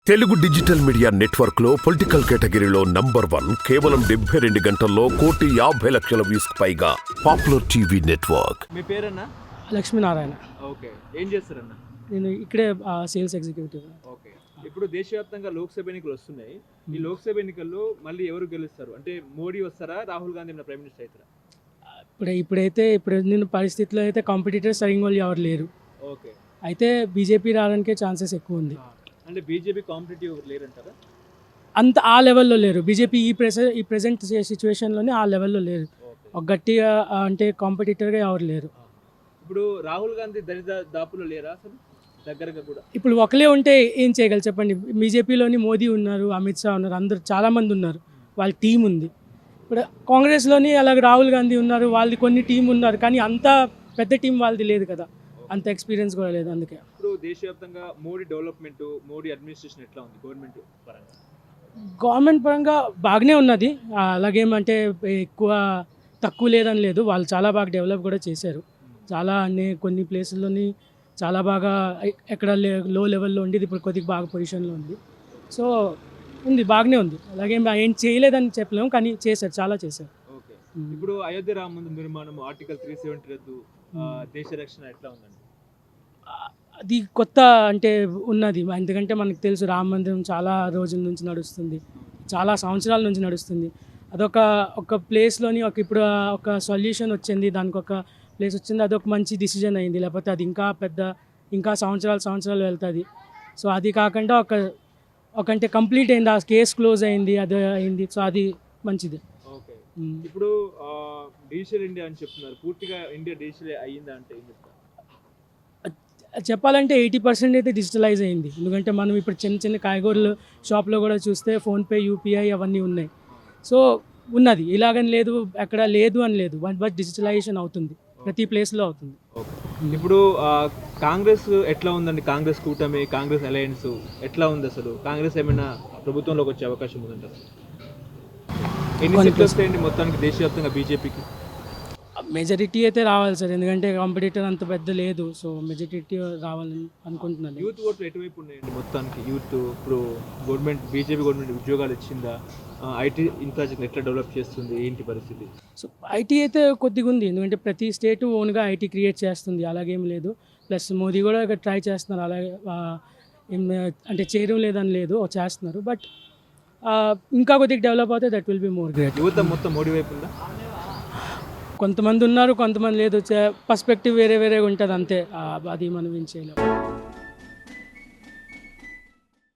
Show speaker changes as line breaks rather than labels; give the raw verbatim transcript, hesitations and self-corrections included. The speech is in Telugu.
తెలుగు డిజిటల్ మీడియా నెట్వర్క్ లో పొలిటికల్ కేటగిరీలో నంబర్ వన్ కేవలం డెబ్బై రెండు గంటల్లో కోటి యాభై లక్షల వ్యూస్ పైగా పాపులర్ టీవీ నెట్వర్క్.
మీ పేరన్నా?
లక్ష్మీనారాయణ.
ఓకే, ఏం చేస్తారన్నా?
నేను ఇక్కడే సేల్స్ ఎగ్జిక్యూటివ్.
ఓకే, ఇప్పుడు దేశవ్యాప్తంగా లోక్సభ ఎన్నికలు వస్తున్నాయి. ఈ లోక్సభ ఎన్నికల్లో మళ్ళీ ఎవరు గెలుస్తారు? అంటే మోడీ వస్తారా, రాహుల్ గాంధీ మన ప్రైమ్ మినిస్టర్ అవుతారా?
ఇప్పుడు ఇప్పుడైతే ఇప్పుడు నేను పరిస్థితిలో అయితే కాంపిటీటర్స్ సరిగ్గా వాళ్ళు ఎవరు లేరు.
ఓకే,
అయితే బీజేపీ రావడానికే ఛాన్సెస్ ఎక్కువ ఉంది.
అంటే బీజేపీ కాంపిటేటివ్ లేరంటారా?
అంత ఆ లెవెల్లో లేరు. బీజేపీ ఈ ప్రెస ఈ ప్రెసెంట్ సిచ్యువేషన్లోనే ఆ లెవెల్లో లేరు. ఒక గట్టిగా అంటే కాంపిటీటర్గా ఎవరు లేరు.
ఇప్పుడు రాహుల్ గాంధీ దరిదా దాపులో లేరా అసలు దగ్గరగా కూడా?
ఇప్పుడు ఒకలే ఉంటే ఏం చేయగలరు చెప్పండి. బీజేపీలోని మోదీ ఉన్నారు, అమిత్ షా ఉన్నారు, అందరు చాలామంది ఉన్నారు, వాళ్ళ టీం ఉంది. ఇప్పుడు కాంగ్రెస్లోని అలాగే రాహుల్ గాంధీ ఉన్నారు, వాళ్ళది కొన్ని టీం ఉన్నారు, కానీ అంత పెద్ద టీం వాళ్ళది లేదు కదా, అంత ఎక్స్పీరియన్స్ కూడా లేదు. అందుకే
ఇప్పుడు దేశవ్యాప్తంగా మోడీ డెవలప్మెంట్, మోడీ అడ్మినిస్ట్రేషన్ ఎట్లా ఉంది గవర్నమెంట్ పరంగా?
గవర్నమెంట్ పరంగా బాగానే ఉన్నది. అలాగేమంటే ఎక్కువ తక్కువ లేదని లేదు, వాళ్ళు చాలా బాగా డెవలప్ కూడా చేశారు. చాలా అన్ని కొన్ని ప్లేసుల్లోని చాలా బాగా ఎక్కడ లో లెవెల్లో ఉండేది ఇప్పుడు కొద్దిగా బాగా పొజిషన్లో ఉంది. సో ఉంది, బాగానే ఉంది. అలాగే ఏం చేయలేదని చెప్పలేము, కానీ చేశారు, చాలా చేశారు.
ఓకే, ఇప్పుడు అయోధ్య రామ మందిర నిర్మాణం, ఆర్టికల్ త్రీ సెవెంటీ రద్దు, దేశ రక్షణ ఎట్లా ఉందండి?
అది కొత్త అంటే ఉన్నది, ఎందుకంటే మనకు తెలుసు రామ మందిరం చాలా రోజుల నుంచి నడుస్తుంది, చాలా సంవత్సరాల నుంచి నడుస్తుంది. అదొక ఒక ప్లేస్లోని ఒక ఇప్పుడు ఒక సొల్యూషన్ వచ్చింది, దానికి ఒక ప్లేస్ వచ్చింది, అదొక మంచి డిసిజన్ అయింది. లేకపోతే అది ఇంకా పెద్ద ఇంకా సంవత్సరాలు సంవత్సరాలు వెళ్తుంది. సో అది కాకుండా ఒక ఒక అంటే కంప్లీట్ అయింది, ఆ కేసు క్లోజ్ అయింది, అది అయింది. సో అది మంచిది.
ఓకే, ఇప్పుడు డిజిటల్ ఇండియా అని చెప్తున్నారు, పూర్తిగా ఇండియా డిజిటల్ అయ్యిందా అంటే ఏం చెప్తారు?
చెప్పాలంటే ఎయిటీ పర్సెంట్ అయితే డిజిటలైజ్ అయింది. ఎందుకంటే మనం ఇప్పుడు చిన్న చిన్న కాయగూరలు షాప్లో కూడా చూస్తే ఫోన్పే, యూపీఐ అవన్నీ ఉన్నాయి. సో ఉన్నది, ఇలాగని లేదు, ఎక్కడ లేదు అని లేదు, బట్ డిజిటలైజేషన్ అవుతుంది, ప్రతి ప్లేస్లో అవుతుంది.
ఇప్పుడు కాంగ్రెస్ ఎట్లా ఉందండి? కాంగ్రెస్ కూటమి, కాంగ్రెస్ అలయన్స్ ఎట్లా ఉంది అసలు? కాంగ్రెస్ ఏమైనా ప్రభుత్వంలోకి వచ్చే అవకాశం ఉందంటారు? ఎన్ని సీట్లు వస్తాయండి మొత్తానికి దేశవ్యాప్తంగా బీజేపీకి?
మెజారిటీ అయితే రావాలి సార్, ఎందుకంటే కాంపిటీటర్ అంత పెద్ద లేదు. సో మెజారిటీ రావాలని అనుకుంటున్నాను.
యూత్ ఓట్లు ఎటువైపు ఉన్నాయండి మొత్తానికి? యూత్ ఇప్పుడు గవర్నమెంట్, బీజేపీ గవర్నమెంట్ ఉద్యోగాలు ఇచ్చిందా? ఐటీ ఇన్ఫ్రాస్ట్రక్చర్ ఎట్లా డెవలప్ చేస్తుంది, ఏంటి పరిస్థితి?
సో ఐటీ అయితే కొద్దిగా ఉంది, ఎందుకంటే ప్రతి స్టేటు ఓన్గా ఐటీ క్రియేట్ చేస్తుంది, అలాగేం లేదు. ప్లస్ మోదీ కూడా ట్రై చేస్తున్నారు, అలాగే ఏం అంటే చేయడం లేదని లేదు, చేస్తున్నారు. బట్ ఇంకా కొద్దిగా డెవలప్ అవుతే that will be more great.
యువత మొత్తం మోడీ వైపు ఉందా?
కొంతమంది ఉన్నారు, కొంతమంది లేదు. పర్స్పెక్టివ్ వేరే వేరేగా ఉంటుంది, అంతే. అది మనం ఏం చేయలేము.